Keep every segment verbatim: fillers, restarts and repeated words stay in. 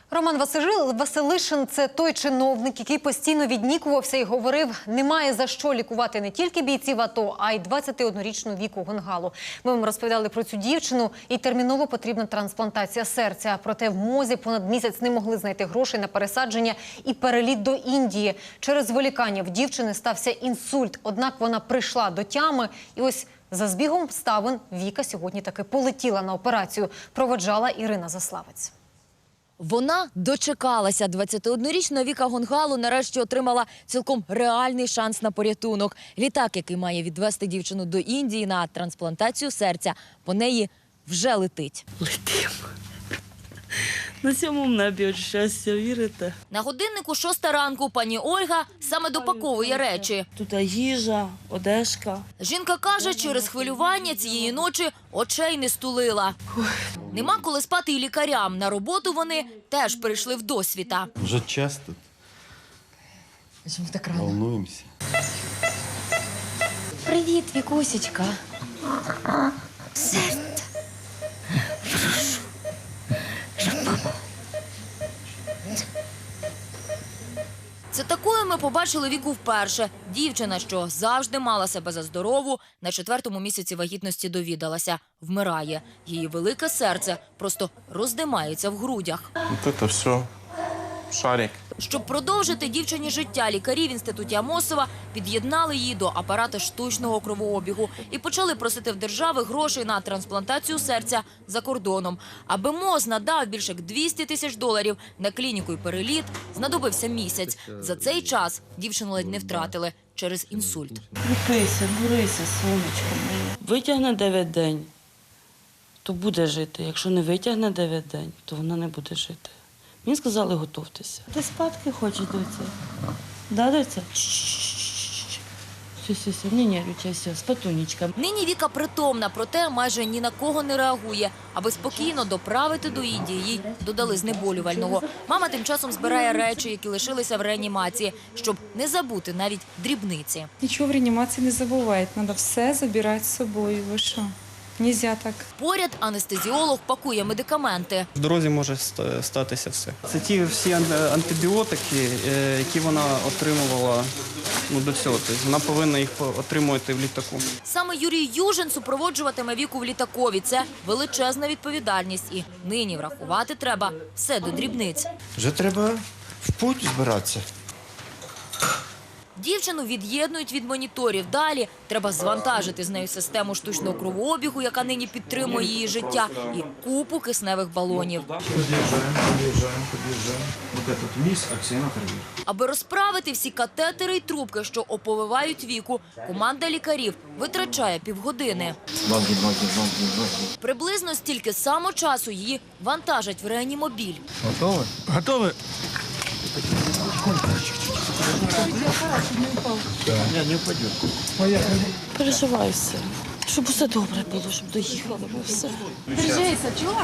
Роман Василишин – це той чиновник, який постійно віднікувався і говорив, немає за що лікувати не тільки бійців АТО, а й двадцятиоднорічну Віку Гонгалу. Ми вам розповідали про цю дівчину, і терміново потрібна трансплантація серця. Проте в МОЗі понад місяць не могли знайти грошей на пересадження і переліт до Індії. Через зволікання в дівчини стався інсульт, однак вона прийшла до тями. І ось за збігом обставин Віка сьогодні таки полетіла на операцію. Проводжала Ірина Заславець. Вона дочекалася. двадцятиоднорічна Віка Гонгалу нарешті отримала цілком реальний шанс на порятунок. Літак, який має відвезти дівчину до Індії на трансплантацію серця, по неї вже летить. Летимо. На сьомому небі от щастя, вірите? На годиннику шоста ранку пані Ольга саме допаковує речі. Тут їжа, одежка. Жінка каже, через хвилювання цієї ночі очей не стулила. Нема коли спати і лікарям. На роботу вони теж прийшли в досвіта. Вже час тут. Чому так рано? Волнуємося. Привіт, Вікусечка. Серце. Це такою ми побачили Віку вперше. Дівчина, що завжди мала себе за здорову, на четвертому місяці вагітності довідалася. Вмирає. Її велике серце просто роздимається в грудях. Вот это все шарик. Щоб продовжити дівчині життя, лікарі в інституті Амосова під'єднали її до апарата штучного кровообігу і почали просити в держави грошей на трансплантацію серця за кордоном. Аби МОЗ надав більше як двісті тисяч доларів на клініку і переліт, знадобився місяць. За цей час дівчину ледь не втратили через інсульт. Кріпися, бурися, сонечко моє. Витягне дев'ять день, то буде жити. Якщо не витягне дев'ять день, то вона не буде жити. Мені сказали, готовтеся. Ти спадки хочеш, доця? Да, доця? Все, все, все, не нервничай, все, спатунечка. Нині Віка притомна, проте майже ні на кого не реагує. Аби спокійно доправити до Індії, їй додали знеболювального. Мама тим часом збирає речі, які лишилися в реанімації, щоб не забути навіть дрібниці. Нічого в реанімації не забувають, треба все забирати з собою. Ви що? Нельзя так. Поряд анестезіолог пакує медикаменти. В дорозі може статися все. Це ті всі антибіотики, які вона отримувала ну, до цього. Тобто вона повинна їх отримувати в літаку. Саме Юрій Южин супроводжуватиме Віку в літакові. Це величезна відповідальність. І нині врахувати треба все до дрібниць. Вже треба в путь збиратися. Дівчину від'єднують від моніторів. Далі треба звантажити з нею систему штучного кровообігу, яка нині підтримує її життя, і купу кисневих балонів. Аби розправити всі катетери й трубки, що оповивають Віку, команда лікарів витрачає півгодини. Приблизно стільки само часу її вантажать в реанімобіль. Готові? Готові. Не, не упадет. Переживай все. Щоб усе добре було, щоб доїхали ми все. Держися, чувак.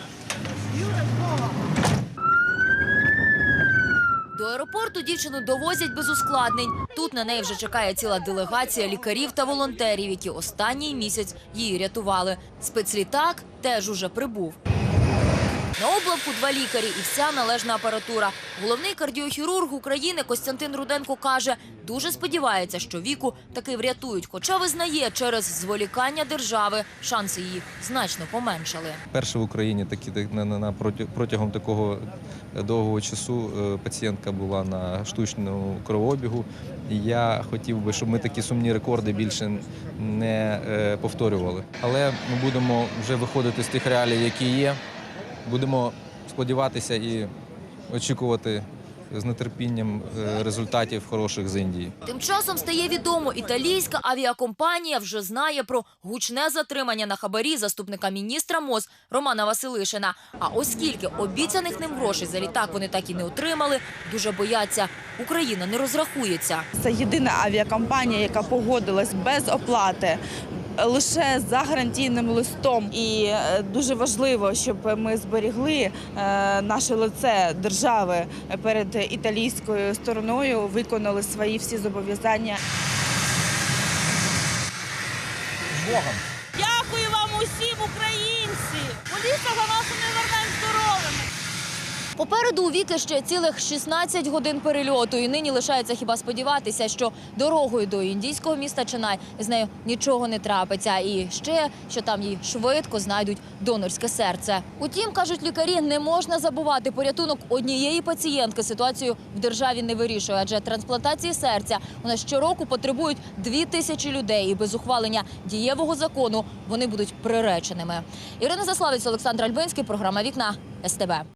До аеропорту дівчину довозять без ускладнень. Тут на неї вже чекає ціла делегація лікарів та волонтерів, які останній місяць її рятували. Спецлітак теж уже прибув. На облавку два лікарі і вся належна апаратура. Головний кардіохірург України Костянтин Руденко каже, дуже сподівається, що Віку таки врятують. Хоча визнає, через зволікання держави шанси її значно поменшали. Перше в Україні такі, на, на, протягом такого довгого часу пацієнтка була на штучному кровообігу. І я хотів би, щоб ми такі сумні рекорди більше не е, повторювали. Але ми будемо вже виходити з тих реалій, які є. Будемо сподіватися і очікувати з нетерпінням результатів хороших з Індії. Тим часом стає відомо, італійська авіакомпанія вже знає про гучне затримання на хабарі заступника міністра МОЗ Романа Василишина. А оскільки обіцяних ним грошей за літак вони так і не отримали, дуже бояться, Україна не розрахується. Це єдина авіакомпанія, яка погодилась без оплати, лише за гарантійним листом. І дуже важливо, щоб ми зберігли наше лице держави перед італійською стороною, виконали свої всі зобов'язання. Дякую вам усім, українці! Моліться за нас, і ми вернемо здоровими! Попереду у Віки ще цілих шістнадцять годин перельоту. І нині лишається хіба сподіватися, що дорогою до індійського міста Ченай з нею нічого не трапиться. І ще, що там їй швидко знайдуть донорське серце. Утім, кажуть лікарі, не можна забувати, порятунок однієї пацієнтки ситуацію в державі не вирішує. Адже трансплантації серця у нас щороку потребують дві тисячі людей. І без ухвалення дієвого закону вони будуть приреченими. Ірина Заславець, Олександр Альбинський, програма «Вікна», ес те бе.